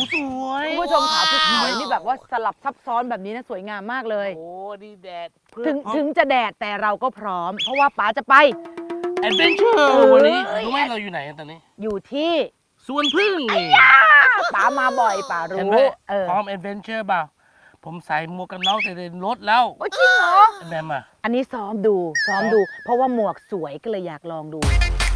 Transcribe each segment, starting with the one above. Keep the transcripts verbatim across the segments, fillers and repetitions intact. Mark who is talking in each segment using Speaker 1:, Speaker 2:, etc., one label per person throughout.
Speaker 1: สวย
Speaker 2: คุณผู้ชมขาภูเขานี่แบบว่าสลับซับซ้อนแบบนี้นะสวยงามมากเลย
Speaker 1: โอ้ดีแดด
Speaker 2: ถึงถึงจะแดดแต่เราก็พร้อม เพราะว่าป๋าจะไป
Speaker 1: แอดเวนเจอร์วันนี้รู้ไหมเราอยู่ไหนกันตอนนี้
Speaker 2: อยู่ที่
Speaker 1: สวนพึ่งนี่
Speaker 2: ป๋ามาบ่อยป๋า
Speaker 1: เห็น
Speaker 2: รู้
Speaker 1: ไหม
Speaker 2: เออ
Speaker 1: พร้อมแอดเวนเจอร์เปล่าผมใส่หมวกกันน็อกในรถแล้ว
Speaker 2: โอ้จริงเหรอ
Speaker 1: แบมอ่ะ
Speaker 2: อันนี้ซ้อมดูซ้อมดู เพราะว่าหมวกสวยก็เลยอยากลองดู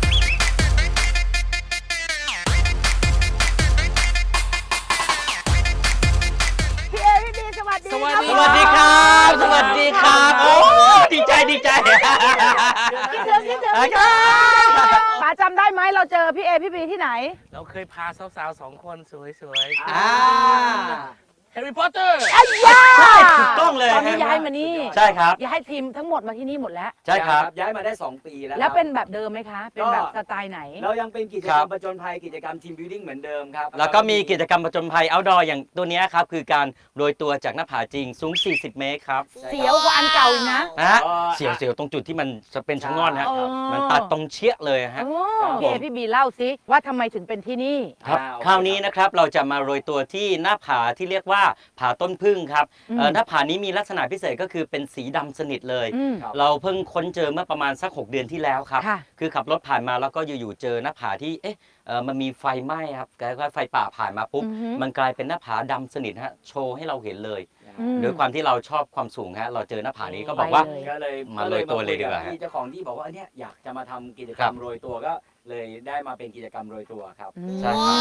Speaker 2: พี่เอพี่บีสวัสดี
Speaker 1: สวัสดี
Speaker 3: สวัสดีครับ สวัสดีครับ โอ้ดีใจดีใจ
Speaker 2: คิดถึงคิดถึงคิดถึงป๋าจำได้ไหมเราเจอพี่เอพี่บีที่ไหน
Speaker 1: เราเคยพาสาวๆสองคนสวยๆ
Speaker 3: อ่า
Speaker 1: แฮร์รี่พอตเตอร์
Speaker 2: อ้ย่า
Speaker 3: ใช่ถูกต้องเลย
Speaker 2: ตอนนี้ย้ายมานี่
Speaker 3: ใช่ครับ
Speaker 2: ย้ายทีมทั้งหมดมาที่นี่หมดแล้ว
Speaker 3: ใช่ครับ
Speaker 4: ย้ายมาได้สองปีแล้ว
Speaker 2: แล้ว
Speaker 4: ครับ
Speaker 2: เป็นแบบเดิมไหมคะ เป็นแบบสไตล์ไหน
Speaker 4: เรายังเป็นกิจ
Speaker 3: ค
Speaker 4: ก
Speaker 3: รั
Speaker 4: รร
Speaker 3: บ
Speaker 4: มประจนภัยกิจกรรมทีมบิวดิ้งเหมือนเดิมครับ
Speaker 3: แล้วก็มีกิจกรรมผจญภัย outdoor อย่างตัวเนี้ยครับ คือการโรยตัวจากหน้าผาจริงสูง สี่สิบ เมตรครับ
Speaker 2: เสียวกว่าอันเก่าอีกนะ
Speaker 3: นะฮะเสียวเสียวตรงจุดที่มันจะเป็นชะง่อนฮะ
Speaker 2: อ๋อ
Speaker 3: มันตัดตรงเชี่ยเลยฮะ
Speaker 2: โอ้พี่เอพี่บีเล่าสิว่าทำไมถึงเป็นที่นี่
Speaker 3: ครับ
Speaker 4: อ่าโอเค
Speaker 3: คราวนี้นะครับเราจะมาโรยตัวที่หน้าผาที่เรียกว่าผาต้นพึ่งครับ
Speaker 2: อืม
Speaker 3: เอ่อหน้าผานี้มีลักษณะพิเศษก็คือเป็นสีดำสนิทเลย
Speaker 2: อืม
Speaker 4: ครับ
Speaker 3: เราเพิ่งค้นเจอเมื่อประมาณสัก หก เดือนที่แล้วครับ
Speaker 2: ค่ะ
Speaker 3: คือขับรถผ่านมาแล้วก็อยู่ๆเจอหน้าผาที่เอ๊ะเอ่อมันมีไฟไหม้ครับแล้วก็ไฟป่าผ่านมาปุ๊บ
Speaker 2: อือฮึ
Speaker 3: มันกลายเป็นหน้าผาดำสนิทฮะโชว์ให้เราเห็นเลย
Speaker 2: อืม
Speaker 3: ด้วยความที่เราชอบความสูงฮะเราเจอหน้าผานี้ก็บอกว่า
Speaker 2: ไปเลย
Speaker 4: ก็เลย
Speaker 3: มาโรยตัวเลยดีกว่า
Speaker 4: คุบพี่เจ้าของที่บอกว่าเนี่ยอยากจะมาทำกิจกร
Speaker 3: ครั
Speaker 4: ร
Speaker 3: บ
Speaker 4: มโรยตัวก็เลยได้มาเป็นกิจกรรมโรยตัวครับ
Speaker 3: ใช่ครับ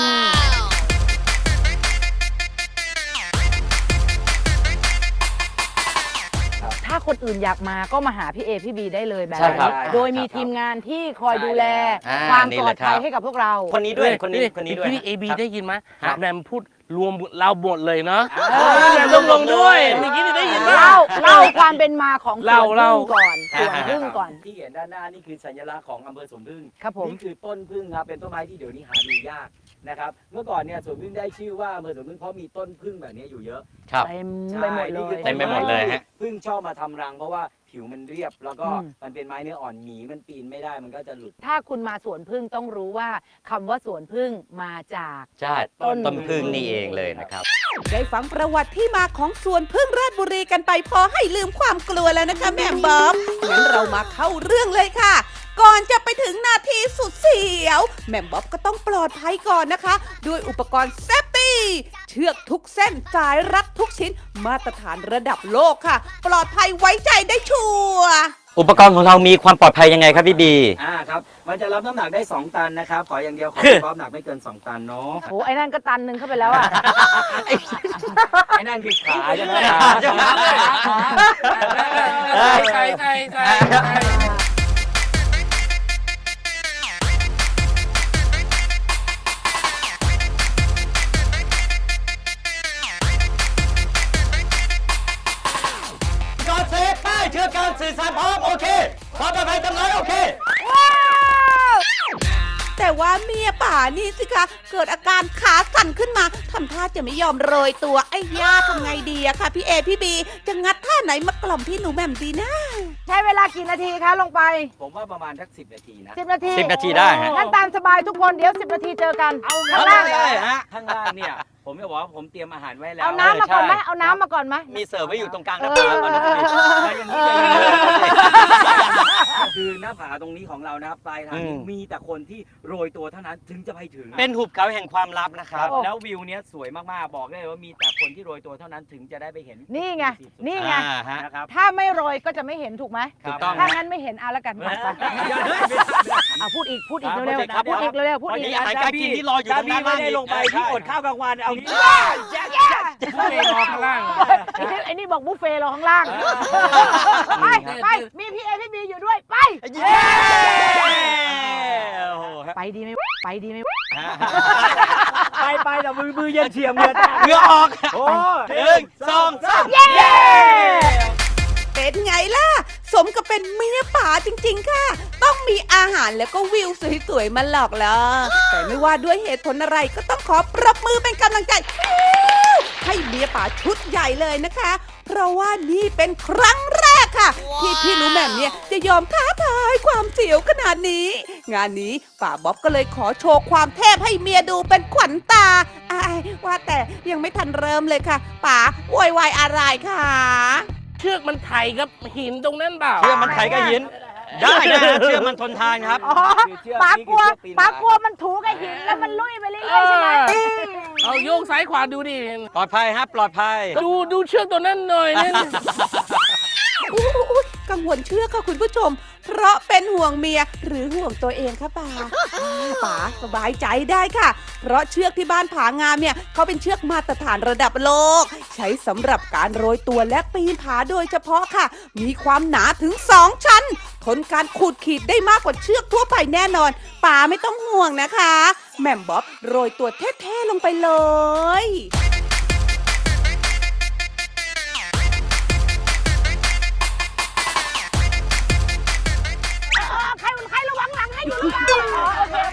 Speaker 2: ถ้าคนอื่นอยากมาก็มาหาพี่เอพี่บีได้เลยแบบ
Speaker 3: ใช่ครับ
Speaker 2: โดยมีทีมงานที่คอยดูแล
Speaker 3: อ่า
Speaker 2: ความ
Speaker 3: นี่
Speaker 2: ปล
Speaker 3: แห
Speaker 2: อด
Speaker 3: ละครั
Speaker 2: ภั
Speaker 3: บ
Speaker 2: ยให้กับพวกเรา
Speaker 3: คนนี้ด้วยคนนี้คนนี้ด้วย
Speaker 1: พี่เอบี
Speaker 3: ครับ
Speaker 1: ได้ยินไหม
Speaker 3: ฮะ
Speaker 1: แบมพูดรวมเราหมดเลยเนาะ
Speaker 2: เออ
Speaker 1: แบมต้องลงด้วยเมื่อกี้นี่ได้ยินไหม
Speaker 2: เล่าเล่าความเป็นมาของส
Speaker 1: เล่า
Speaker 2: วน
Speaker 1: เล่า
Speaker 2: พึ่งก่อนสวนพึ่งก่อน
Speaker 4: ที่เห็นด้านหน้านี่คือสัญลักษณ์ของอำเภอสวนพึ่ง
Speaker 2: ครับผม
Speaker 4: นี่คือต้นพึ่งครับเป็นต้นไม้ที่เดี๋ยวนี้หาดูยากนะครับเมื่อก่อนเนี่ยสวนพึ่งได้ชื่อว่าอำเภอสวนพึ่งเพราะมีต้นพึ่งแบบนี้อยู่เยอะ
Speaker 3: ครับ
Speaker 2: เต็มไปหมดเล
Speaker 4: นี่คื
Speaker 2: ย
Speaker 4: อ
Speaker 3: เต็มไปหมดเลยฮะ
Speaker 4: พึ่งชอบมาทำรัง เพราะว่าผิวมันเรียบ แล้วก็
Speaker 2: อืม
Speaker 4: มันเป็นไม้เนื้ออ่อนหมีมันปีนไม่ได้มันก็จะหลุด
Speaker 2: ถ้าคุณมาสวนพึ่งต้องรู้ว่าคำว่าสวนพึ่งมาจาก
Speaker 3: ใช่
Speaker 2: ต้น
Speaker 3: ต้นพึ่งนี่เองเลยนะครับ
Speaker 5: ได้ฟังประวัติที่มาของสวนพึ่งราชบุรีกันไปพอให้ลืมความกลัวแล้วนะคะแม่บ๊อบงั้นเรามาเข้าเรื่องเลยค่ะ ก่อนจะไปถึงนาทีสุดเสียวแม่บ๊อบก็ต้องปลอดภัยก่อนนะคะ ด้วยอุปกรณ์เซฟตี้เชือกทุกเส้นสายรัดทุกชิ้น มาตรฐานระดับโลกค่ะ ปลอดภัยไว้ใจได้ชัวร์
Speaker 3: อุปกรณ์ของเรามีความปลอดภัยยังไงครับพี่บี
Speaker 4: อ่าครับ มันจะรับน้ำหนักได้ สอง ตันนะครับ ขออย่างเดียวขอความหนักไม่เกิน สอง ตันเนาะ
Speaker 2: โอ้ไอ้นั่นก็ตันหนึ่งเข้าไปแล้วอ่ะ
Speaker 4: ไอ้นั่นคือขาใช่ไหม
Speaker 1: ใช่ใช่ใช่ใช่ใช่
Speaker 3: ก่อนเซฟป้ายเชื่อการสื่อสารพร้อมโอเคความปลอดภัยจำน้อยโอเค
Speaker 5: แต่ว่าเมียป่านี่สิคะ เกิดอาการขาสั่นขึ้นมาทำท่าจะไม่ยอมโรยตัวไอ้ย่าทำไงดีอะค่ะพี่เอพี่บีจะงัดท่าไหนมากล่อมพี่หนูแหม่มดีนะ
Speaker 2: ใช้เวลากี่นาทีคะลงไป
Speaker 4: ผมว่าประมาณสักสิบนาทีนะ
Speaker 2: สิบนาที
Speaker 3: สิบนาทีได้ฮะ
Speaker 2: งั้นตามสบายทุกคนเดี๋ยวสิบนาทีเจอกัน เอาข้างล่าง
Speaker 4: ได้ฮะข้างล่างเนี่ย ผมจะบอกว่าผมเตรียมอาหารไว้แล้ว
Speaker 2: เอาน้ำมาก่อนไหม
Speaker 3: ใช่
Speaker 2: เอาน้ำมาก่อนไหม
Speaker 3: มีเสิร์ฟไว้อยู่ตรงกลางห
Speaker 2: เอ
Speaker 3: น้า
Speaker 2: อ
Speaker 3: ผาก่อนนะพี่บี
Speaker 4: แล้วอย่างนี้เลยคือหน้าผาตรงนี้ของเรานะครับปลายทาง
Speaker 3: อืม
Speaker 4: มีแต่คนที่โรยตัวเท่านั้นถึงจะไปถึง
Speaker 3: เป็นหุบเขาแห่งความลับนะครับ
Speaker 2: โอ้
Speaker 4: แล้ววิวเนี้ยสวยมากๆ บอกได้เลยว่ามีแต่คนที่โรยตัวเท่านั้นถึงจะได้ไปเห็น
Speaker 2: นี่ไง นี่ไง
Speaker 3: อ่าฮะ
Speaker 4: นะครับ
Speaker 2: ถ้าไม่โรยก็จะไม่เห็นถูกไหม
Speaker 3: ถูกต้อง
Speaker 2: ถ้างั้นไม่เห็นเอาละกันไปไปเอาพูดอีก พูดอีกเร็วๆเอาพูดอีกเร็วๆพูดอีก
Speaker 3: อาหารการกินที่รออยู่ตรงด้านล่าง
Speaker 4: ไม่ได้ลงไปที่อดข้าวกลางวันเอางี้
Speaker 1: ผู้เองรอข้างล่าง
Speaker 2: ไอ้นี่ไอ้นี่บอกบุฟเฟ่ต์เราข้างล่าง ไป ไป มีพี่เอพี่บีอยู่ด้วย ไป
Speaker 3: เย้โอ้โห
Speaker 2: ไปดีไหมไปดีไหม
Speaker 4: ไปไปแต่มือมือเย็นเฉียบเงิน
Speaker 3: เหงื่อออก
Speaker 4: โอ้
Speaker 3: หนึ่งสองสาม
Speaker 2: เย้
Speaker 5: เป็นไงล่ะ สมกับเป็นเมียป่าจริงๆค่ะ ต้องมีอาหารแล้วก็วิวสวยๆมาหลอกล่อแต่ไม่ว่าด้วยเหตุผลอะไรก็ต้องขอปรบมือเป็นกำลังใจ ให้เมียป่าชุดใหญ่เลยนะคะ เพราะว่านี่เป็นครั้งแรกค่ะ ที่พี่หนูแหม่มเนี่ยจะยอมท้าทายความเสียวขนาดนี้งานนี้ป่าบ๊อบก็เลยขอโชว์ความเทพให้เมียดูเป็นขวัญตาอายว่าแต่ยังไม่ทันเริ่มเลยค่ะป๋าโวยวายอะไรคะ
Speaker 1: เชือกมันไถกับหินตรงนั้นเปล่า
Speaker 3: เชื่อมันไถกับหิน ได้นะฮะเชื่อมันทนทานครับ
Speaker 2: อ๋อป๋ากลัวป๋ากลัวมันถูกับหินแล้วมันลุยไปเรื่อยๆใช่ไหม
Speaker 1: เอาโยกซ้ายขวาดูดิ
Speaker 3: ปลอดภัยครับปลอดภัย
Speaker 1: ดูดูเชือกตัวนั้นหน่อยนี่
Speaker 5: อุ๊ยกังวลเชื่อค่ะคุณผู้ชม เพราะเป็นห่วงเมียหรือห่วงตัวเองคะป๋าอ่าป๋าสบายใจได้ค่ะ เพราะเชือกที่บ้านผางามเนี่ยเขาเป็นเชือกมาตรฐานระดับโลก ใช้สำหรับการโรยตัวและปีนผาโดยเฉพาะค่ะ มีความหนาถึงสองชั้น ทนการขูดขีดได้มากกว่าเชือกทั่วไปแน่นอนป๋าไม่ต้องห่วงนะคะแหม่มบ๊อบโรยตัวเท่ๆลงไปเลย
Speaker 2: ใครใครระวังหลังให้อยู่หรือเปล่าอ๋อโอเค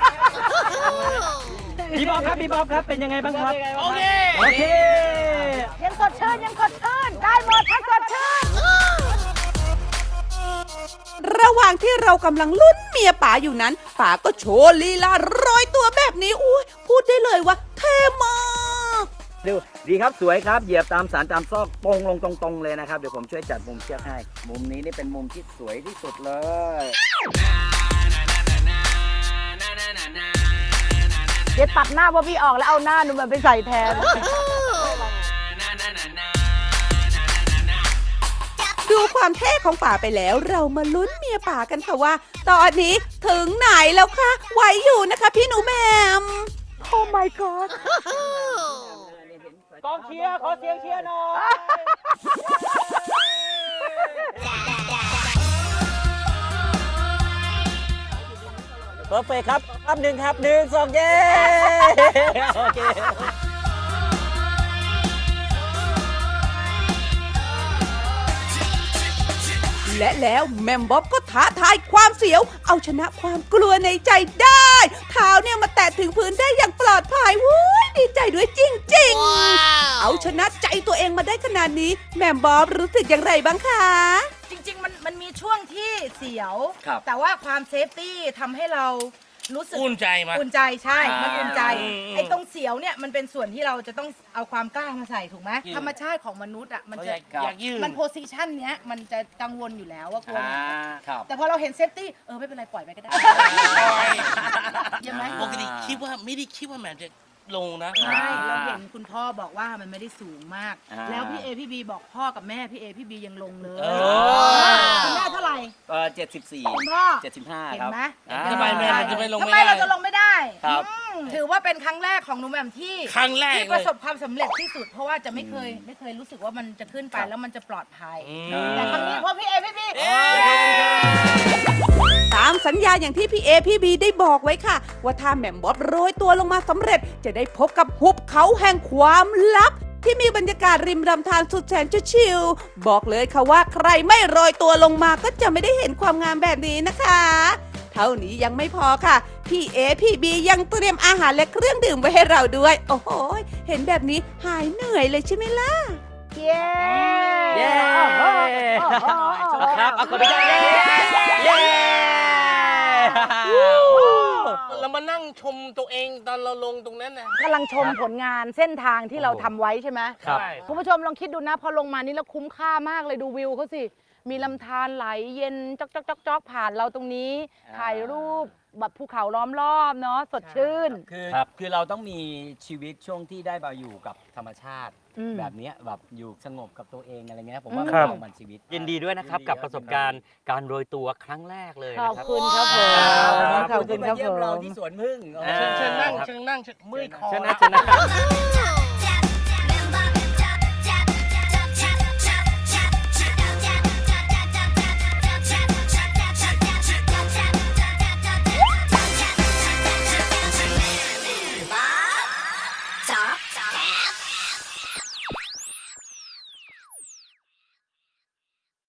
Speaker 3: พี่บ๊อบครับพี่บ๊อบครับเป็นยังไงบ้างครับ
Speaker 1: โอเค
Speaker 3: โอเค
Speaker 2: ยังสดชื่นยังสดชื่นได้หมดถ้าสดชื่น
Speaker 5: ระหว่างที่เรากำลังลุ้นเมียป๋าอยู่นั้นป๋าก็โชว์ลีลาโรยตัวแบบนี้อุ้ยพูดได้เลยว่าเท่มาก
Speaker 4: ดูดีครับสวยครับเหยียบตามสารตามซอกตรงลงตรงๆเลยนะครับเดี๋ยวผมช่วยจัดมุมเชือกให้มุมนี้นี่เป็นมุมที่สวยที่สุดเลย
Speaker 2: เดี๋ยวตัดหน้าพ่อพี่ออกแล้วเอาหน้าหนูแบบไปใส่แทน
Speaker 5: ดูความเท่ของป๋าไปแล้วเรามาลุ้นเมียป๋ากันค่ะว่า ตอนนี้ถึงไหนแล้วคะไหวอยู่นะคะพี่หนูแหมม
Speaker 2: โอ้ my god
Speaker 3: กองเชียร์ขอเสียงเชียร์หน่อยเพอร์เฟคครับครับหนึ่งครับหนึ่งสองเย้โอเค
Speaker 5: และแล้วแมมบ๊อบก็ท้าทายความเสียว เอาชนะความกลัวในใจได้ เท้าเนี่ยมาแตะถึงพื้นได้อย่างปลอดภัยวุ้ยดีใจด้วยจริงๆ เอาชนะใจตัวเองมาได้ขนาดนี้แมมบ๊อบรู้สึกอย่างไรบ้างคะ
Speaker 6: จริงๆ มันมันมีช่วงที่เสียว
Speaker 4: ครับ
Speaker 6: แต่ว่าความเซฟตี้ทำให้เรารู้สึก
Speaker 1: อุ่นใจมา
Speaker 6: อุ่นใจใช่
Speaker 1: อ่ามั
Speaker 6: มันอุ่นใจ
Speaker 1: อืม
Speaker 6: ไอ้ตรงเสียวเนี่ยมันเป็นส่วนที่เราจะต้องเอาความกล้ามาใส่ถูกไหม
Speaker 1: อืม
Speaker 6: ธรรมชาติของมนุษย์อ่ะมัน
Speaker 1: เขา
Speaker 6: จะ
Speaker 1: อยากอยากยืน
Speaker 6: มันโพสิชันเนี้ยมันจะกังวลอยู่แล้วว่ากลัว
Speaker 4: อ่าครับ
Speaker 6: แต่พอเราเห็นเซฟตี้เออไม่เป็นไรปล่อยไปก็ได้ใช่ไหม
Speaker 1: ปกติคิดว่าไม่ได้คิดว่าแมนจะลงนะ
Speaker 6: ใช่เราเห็นคุณพ่อบอกว่ามันไม่ได้สูงมาก
Speaker 4: อ่า
Speaker 6: แล้วพี่เอพี่บีบอกพ่อกับแม่พี่เอพี่บียังลงเลย
Speaker 1: เออ
Speaker 6: คุณแม่เท่าไหร่
Speaker 4: เออเจ็ดสิบสี่
Speaker 6: คุณพ่อ
Speaker 4: เจ็ดสิบห้า
Speaker 6: เห็น
Speaker 4: ครับ
Speaker 6: ไหม
Speaker 4: อ่า
Speaker 1: ทำไมแม่มันจะไม่ลง
Speaker 6: ทำ
Speaker 1: ไม่
Speaker 6: ไม
Speaker 1: ได้
Speaker 6: เราจะลงไม่ได้
Speaker 4: ครับ
Speaker 6: อืมถือว่าเป็นครั้งแรกของหนูแหม่มที่
Speaker 1: ครั้งแรก
Speaker 6: ที่
Speaker 1: เล
Speaker 6: ประ
Speaker 1: ย
Speaker 6: สบความสำเร็จที่สุด เพราะว่าจะไม่เคยไม่เคยรู้สึกว่ามันจะขึ้นไปแล้วมันจะปลอดภัย
Speaker 1: อืม
Speaker 6: แต่ครั้งนี้เพราะพี่เอพี่บี
Speaker 5: ตามสัญญาอย่างที่พี่เอพี่บีได้บอกไว้ค่ะ ว่าถ้าแหม่มบ๊อบโรยตัวลงมาสำเร็จ จะได้พบกับหุบเขาแห่งความลับ ที่มีบรรยากาศริมลำธารสุดแสนจะชิลบอกเลยค่ะว่าใครไม่โรยตัวลงมาก็จะไม่ได้เห็นความงามแบบนี้นะคะ เท่านี้ยังไม่พอค่ะ พี่เอพี่บียังเตรียมอาหารและเครื่องดื่มไว้ให้เราด้วย โอ้โหเห็นแบบนี้หายเหนื่อยเลยใช่ไหมล่ะ
Speaker 2: เย้
Speaker 3: เย้
Speaker 2: โอ้โหโอ้โหโอ้โห
Speaker 3: ครับเอาคนไปเย้เย้
Speaker 1: เรามานั่งชมตัวเองตอนเราลงตรงนั้นนะ
Speaker 2: กำลังชมผลงานเส้นทางที่เราทำไว้ใช่ไหม
Speaker 3: ครับ
Speaker 1: ใช่
Speaker 2: คุณผู้ชมลองคิดดูนะ พอลงมานี่แล้วคุ้มค่ามากเลยดูวิวเขาสิ มีลำธารไหลเย็นจอกจอกจอกจอกผ่านเราตรงนี้ ถ่ายรูปแบบภูเขาล้อมรอบเนาะสดชื่น
Speaker 4: คือ
Speaker 3: ครับ
Speaker 4: คือเราต้องมีชีวิตช่วงที่ได้มาอยู่กับธรรมชาติ
Speaker 2: อืม
Speaker 4: แบบเนี้ยแบบอยู่สงบกับตัวเองอะไรเงี้ยผมว่า
Speaker 2: ครับ
Speaker 4: มันมันชีวิต
Speaker 3: ยินดีด้วยนะครับกับประสบการณ์การโรยตัวครั้งแรกเลย
Speaker 2: ข
Speaker 3: นะ
Speaker 2: อบ
Speaker 3: ครับ
Speaker 2: คุณครับผม
Speaker 3: ครับ
Speaker 2: ขอบคุณครับ
Speaker 4: ที่มาเยี่ย
Speaker 2: ผม
Speaker 4: เราที่สวนพึ่ง
Speaker 3: อ่า
Speaker 1: เชิญเชิญนั่งเชิญนั่งเชิญเมื่อยคอ
Speaker 3: เชิญนะเชิญนะ